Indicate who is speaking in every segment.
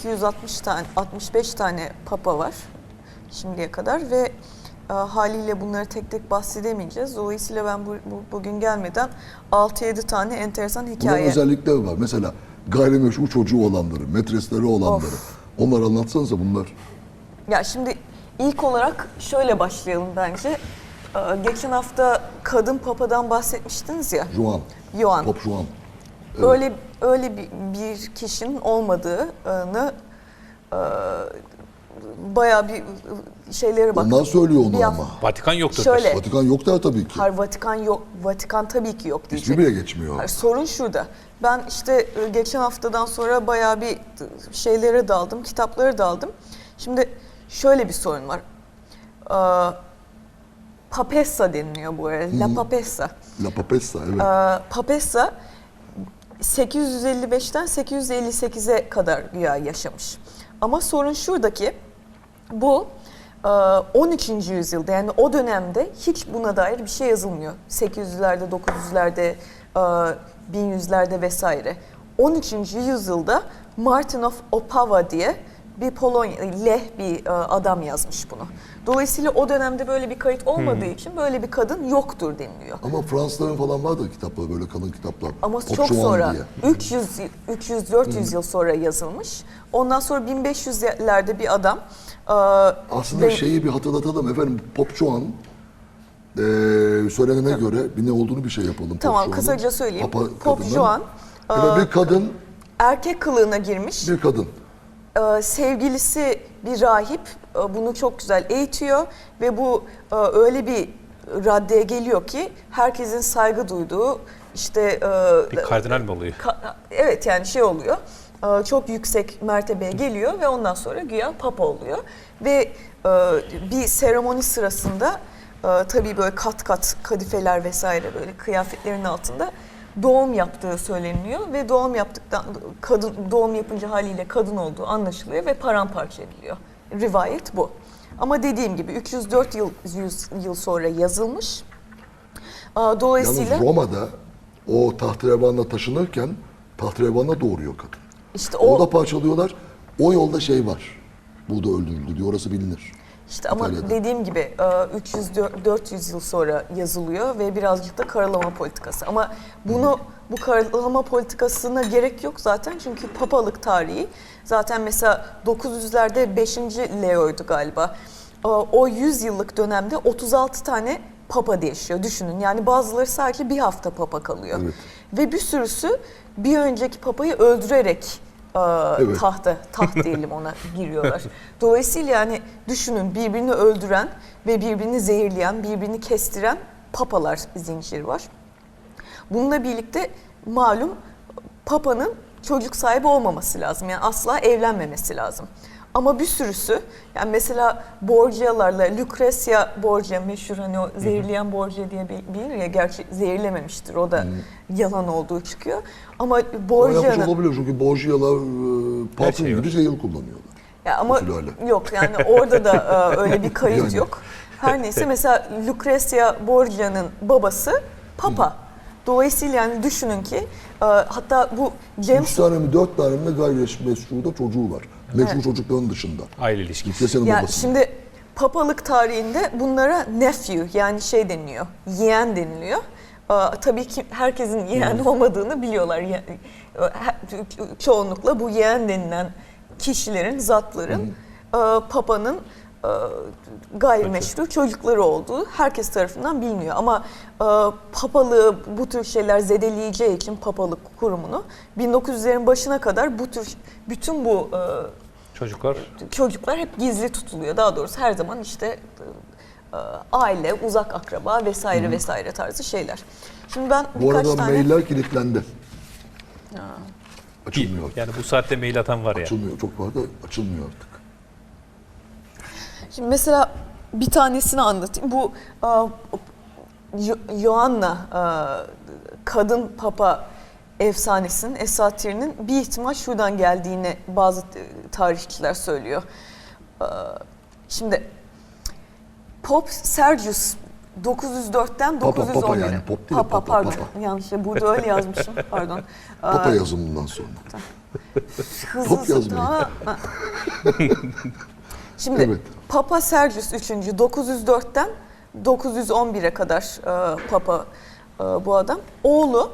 Speaker 1: 260 tane, 65 tane papa var şimdiye kadar ve haliyle bunları tek tek bahsedemeyeceğiz. Dolayısıyla ben bugün gelmeden 6-7 tane enteresan hikaye.
Speaker 2: Bunların özellikleri var. Mesela gayrimeşru çocuğu olanları, metresleri olanları. Onları anlatsanıza bunlar.
Speaker 1: Ya şimdi ilk olarak şöyle başlayalım bence. Geçen hafta kadın papadan bahsetmiştiniz ya. Joan.
Speaker 2: Pop Joan. Evet.
Speaker 1: Öyle bir kişinin olmadığını bayağı bir şeylere bak.
Speaker 2: Ondan söylüyor onu ama.
Speaker 3: Vatikan yoktur.
Speaker 1: Şöyle.
Speaker 2: Vatikan yok der tabii ki.
Speaker 1: Hayır, Vatikan yok. Vatikan tabii ki yok diyecek.
Speaker 2: Hiçbir bile geçmiyor.
Speaker 1: Hayır, sorun şurada. Ben işte geçen haftadan sonra bayağı bir şeylere daldım, kitaplara daldım. Şimdi şöyle bir sorun var. Papessa deniliyor bu arada. La Papessa.
Speaker 2: La Papessa, evet.
Speaker 1: Papessa 855'ten 858'e kadar güya yaşamış. Ama sorun şuradaki, bu 13. yüzyılda, yani o dönemde hiç buna dair bir şey yazılmıyor. 800'lerde, 900'lerde, 1100'lerde vesaire. 13. yüzyılda Martin of Opava diye bir Leh bir adam yazmış bunu. Dolayısıyla o dönemde böyle bir kayıt olmadığı için böyle bir kadın yoktur deniliyor.
Speaker 2: Ama Fransızların falan vardı kitaplar, böyle kadın kitaplar.
Speaker 1: Ama
Speaker 2: Pop
Speaker 1: çok
Speaker 2: Joan
Speaker 1: sonra,
Speaker 2: diye.
Speaker 1: 300-400 yıl sonra yazılmış. Ondan sonra 1500'lerde bir adam...
Speaker 2: Aslında şeyi bir hatırlatalım efendim, Pop Joan söylenene göre bir ne olduğunu bir şey yapalım.
Speaker 1: Tamam,
Speaker 2: Pop
Speaker 1: kısaca söyleyeyim. Pop
Speaker 2: kadının.
Speaker 1: Joan
Speaker 2: Bir kadın,
Speaker 1: erkek kılığına girmiş.
Speaker 2: bir kadın.
Speaker 1: Sevgilisi bir rahip, bunu çok güzel eğitiyor ve bu öyle bir raddeye geliyor ki herkesin saygı duyduğu, işte
Speaker 3: Bir kardinal mi oluyor?
Speaker 1: Evet, yani şey oluyor, çok yüksek mertebeye geliyor ve ondan sonra güya papa oluyor ve bir seremoni sırasında tabii böyle kat kat kadifeler vesaire, böyle kıyafetlerin altında doğum yaptığı söyleniliyor ve doğum yapınca haliyle kadın olduğu anlaşılıyor ve paramparça ediliyor. Rivayet bu. Ama dediğim gibi 304 yıl sonra yazılmış. Dolayısıyla
Speaker 2: Yalnız Roma'da o tahterevanla taşınırken tahterevanla doğuruyor kadın.
Speaker 1: işte
Speaker 2: Orada parçalıyorlar. O yolda şey var. Burada öldürüldü diyor. Orası bilinir.
Speaker 1: İşte ama
Speaker 2: İtalya'da.
Speaker 1: dediğim gibi 300-400 yıl sonra yazılıyor ve birazcık da karalama politikası. Ama bu karalama politikasına gerek yok zaten, çünkü papalık tarihi zaten mesela 900'lerde 5. Leo'ydu galiba. O 100 yıllık dönemde 36 tane papa değişiyor, düşünün. Yani bazıları sadece bir hafta papa kalıyor.
Speaker 2: Evet.
Speaker 1: Ve bir sürüsü bir önceki papayı öldürerek
Speaker 2: Evet.
Speaker 1: taht diyelim ona giriyorlar. Dolayısıyla yani düşünün, birbirini öldüren ve birbirini zehirleyen, birbirini kestiren papalar zinciri var. Bununla birlikte malum papanın çocuk sahibi olmaması lazım. Yani asla evlenmemesi lazım. Ama bir sürüsü, yani mesela Borgia'larla, Lucrezia Borgia meşhur, hani o zehirleyen Borgia diye bilinir ya, gerçi zehirlememiştir, o da yalan olduğu çıkıyor. Ama
Speaker 2: Yapmış
Speaker 1: Borgia'nın...
Speaker 2: olabilir çünkü Borgia'lar parfüm
Speaker 3: şey
Speaker 2: gibi zehir kullanıyorlar.
Speaker 1: Ya ama
Speaker 2: Usulüyle.
Speaker 1: yok, yani orada da öyle bir kayıt
Speaker 2: Yani.
Speaker 1: yok. Her neyse, mesela Lucrezia Borgia'nın babası papa. Dolayısıyla yani düşünün ki hatta bu
Speaker 2: 3 tane mi 4 tane mi gayrimeşru da çocuğu var. Meşru çocukların dışında.
Speaker 3: Aile ilişkisi.
Speaker 2: Lucrezia'nın
Speaker 1: ya
Speaker 2: babası.
Speaker 1: şimdi papalık tarihinde bunlara nephew, yani şey deniliyor, yeğen deniliyor. Tabii ki herkesin yeğen olmadığını biliyorlar. Çoğunlukla bu yeğen denilen kişilerin, zatların papanın gayrimeşru çocukları olduğu herkes tarafından biliniyor. Ama papalığı bu tür şeyler zedeleyeceği için papalık kurumunu 1900'lerin başına kadar bütün bu çocuklar hep gizli tutuluyor. Daha doğrusu her zaman işte aile, uzak akraba vesaire vesaire tarzı şeyler. Şimdi ben
Speaker 2: Bu
Speaker 1: birkaç
Speaker 2: arada
Speaker 1: tane...
Speaker 2: mailler kilitlendi. Açılmıyor.
Speaker 3: Yani bu saatte mail atan var ya.
Speaker 2: Açılmıyor. Çok var da açılmıyor artık.
Speaker 1: Şimdi mesela bir tanesini anlatayım. Bu Joanna kadın papa efsanesinin, esatirinin bir ihtimal şuradan geldiğini bazı tarihçiler söylüyor. Şimdi Pop Sergius 904'ten
Speaker 2: Papa,
Speaker 1: 911'e.
Speaker 2: papa yani, pop değil de papa,
Speaker 1: pardon.
Speaker 2: papa.
Speaker 1: Yanlış. Burada öyle yazmışım. Pardon.
Speaker 2: Papa yazımından sonra.
Speaker 1: Hızlı
Speaker 2: Top yazmayın.
Speaker 1: Şimdi
Speaker 2: Evet.
Speaker 1: Papa Sergius 3. 904'ten 911'e kadar Papa bu adam. Oğlu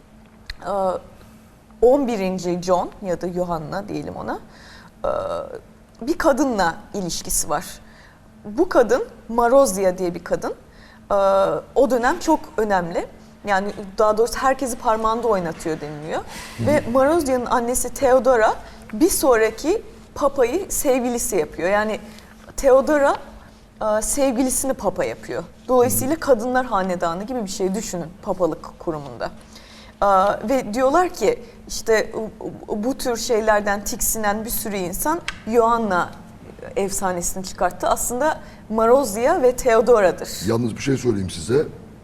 Speaker 1: 11. John ya da Yohanna diyelim ona, bir kadınla ilişkisi var. Bu kadın Marozia diye bir kadın. O dönem çok önemli. Yani daha doğrusu herkesi parmağında oynatıyor deniliyor. Ve Marozia'nın annesi Theodora bir sonraki papayı sevgilisi yapıyor. Yani Theodora sevgilisini papa yapıyor. Dolayısıyla kadınlar hanedanı gibi bir şey düşünün papalık kurumunda. Ve diyorlar ki işte bu tür şeylerden tiksinen bir sürü insan Yohanna efsanesini çıkarttı. Aslında Marozia ve Theodora'dır.
Speaker 2: Yalnız bir şey söyleyeyim size.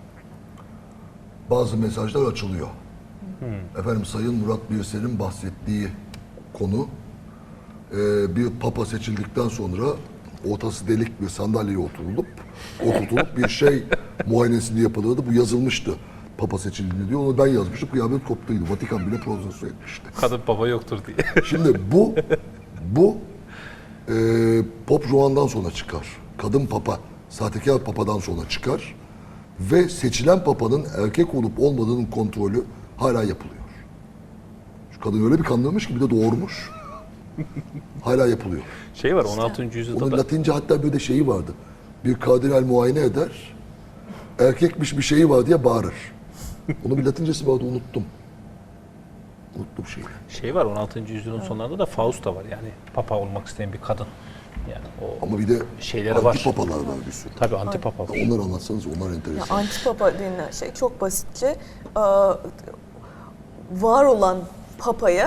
Speaker 2: Bazı mesajlar açılıyor. Efendim Sayın Murat Birsel'in bahsettiği konu bir papa seçildikten sonra ortası delik bir sandalyeye oturtulup bir şey muayenesini yapılırdı. Bu yazılmıştı. Papa seçildiğini diyor. Onu ben yazmıştım. Kıyamet koptuydu. Vatikan bile protesto etmişti.
Speaker 3: Kadın baba yoktur diye.
Speaker 2: Şimdi bu Pop Juan'dan sonra çıkar. Kadın papa, sahtekar papadan sonra çıkar. Ve seçilen papanın erkek olup olmadığının kontrolü hala yapılıyor. Şu kadın öyle bir kandırmış ki bir de doğurmuş. Hala yapılıyor.
Speaker 3: Şey var 16. yüzyılda
Speaker 2: Onun
Speaker 3: da
Speaker 2: Latince hatta böyle şeyi vardı. Bir kardinal muayene eder. Erkekmiş bir şeyi var diye bağırır. Onun bir Latincesi vardı, unuttum. Unuttum şeyi.
Speaker 3: şey var 16. yüzyılın sonlarında da Fausta var yani papa olmak isteyen bir kadın. Yani o
Speaker 2: Ama bir de
Speaker 3: şeyleri var.
Speaker 2: antipapalar var bir sürü.
Speaker 3: Tabii antipapa var.
Speaker 2: Onları anlatsanız onlar
Speaker 1: Ya
Speaker 2: enteresan.
Speaker 1: antipapa denilen şey çok basitçe var olan papaya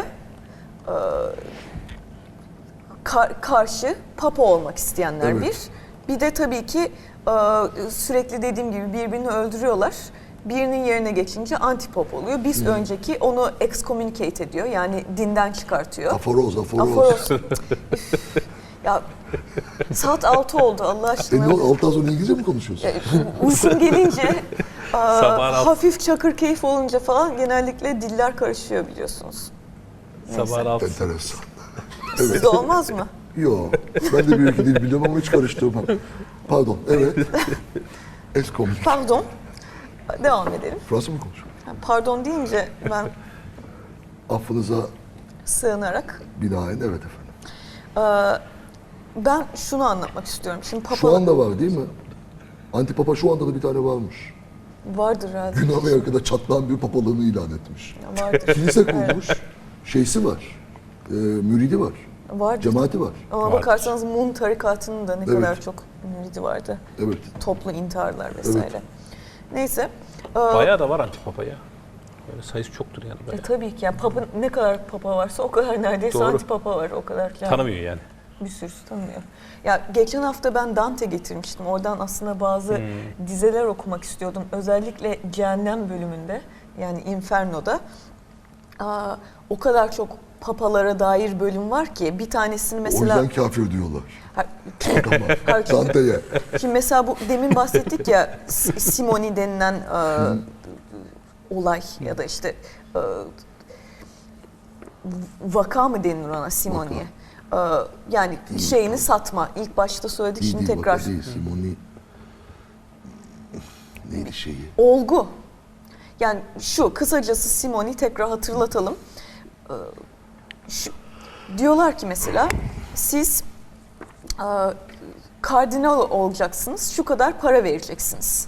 Speaker 1: karşı papa olmak isteyenler
Speaker 2: Evet.
Speaker 1: bir de tabii ki sürekli dediğim gibi birbirini öldürüyorlar. Birinin yerine geçince antipop oluyor. Biz önceki onu excommunicate ediyor. Yani dinden çıkartıyor.
Speaker 2: Aforoz.
Speaker 1: Aforos. Ya saat 6 oldu Allah aşkına.
Speaker 2: Ne oldu? Altı az sonra İngilizce mi konuşuyorsun?
Speaker 1: Uykum gelince,
Speaker 3: Sabahın altı.
Speaker 1: hafif çakır keyif olunca falan genellikle diller karışıyor biliyorsunuz.
Speaker 3: Sabahın altı.
Speaker 2: Enteresan.
Speaker 1: Sizde olmaz mı?
Speaker 2: Yo, ben de bir iki dil biliyorum ama hiç karıştırmam. Pardon, evet. Eskom.
Speaker 1: Pardon. Devam edelim.
Speaker 2: Fransız mı konuşuyor?
Speaker 1: Yani pardon deyince ben
Speaker 2: Affınıza
Speaker 1: sığınarak
Speaker 2: binaen evet efendim.
Speaker 1: ben şunu anlatmak istiyorum. Şimdi papa
Speaker 2: Şu anda var değil mi? Antipapa şu anda da bir tane varmış.
Speaker 1: vardır herhalde.
Speaker 2: Güney Amerika'da çatlayan bir papalığını ilan etmiş.
Speaker 1: Ya vardır.
Speaker 2: Kilise kurmuş. Şeysi var. Müridi var.
Speaker 1: Vardır.
Speaker 2: Cemaati var.
Speaker 1: Ama
Speaker 3: Vardır.
Speaker 1: bakarsanız Mun tarikatının da ne
Speaker 2: Evet.
Speaker 1: kadar çok müridi vardı.
Speaker 2: Evet.
Speaker 1: Toplu intiharlar vesaire.
Speaker 2: Evet.
Speaker 1: Neyse.
Speaker 3: Bayağı da var antipapa ya. Böyle sayısı çoktur yani bayağı.
Speaker 1: Tabii ki yani papa ne kadar papa varsa o kadar neredeyse
Speaker 3: Doğru.
Speaker 1: antipapa var o kadar. Yani
Speaker 3: Tanımıyor yani.
Speaker 1: bir sürüsü tanımıyor. Ya geçen hafta ben Dante getirmiştim. Oradan aslında bazı dizeler okumak istiyordum. Özellikle Cehennem bölümünde yani Inferno'da. O kadar çok papalara dair bölüm var ki bir tanesini
Speaker 2: O
Speaker 1: mesela
Speaker 2: yüzden kafir diyorlar.
Speaker 1: Tamam.
Speaker 2: Dante'ye.
Speaker 1: Şimdi mesela bu demin bahsettik ya Simoni denilen olay ya da işte vaka mı denir ona Simoni'ye? Yani şeyini satma. İlk başta söyledik
Speaker 2: Değil,
Speaker 1: şimdi
Speaker 2: değil,
Speaker 1: tekrar.
Speaker 2: vaka değil. Simoni neydi şeyi?
Speaker 1: Olgu. Yani şu kısacası Simoni tekrar hatırlatalım. Diyorlar ki mesela siz kardinal olacaksınız, şu kadar para vereceksiniz.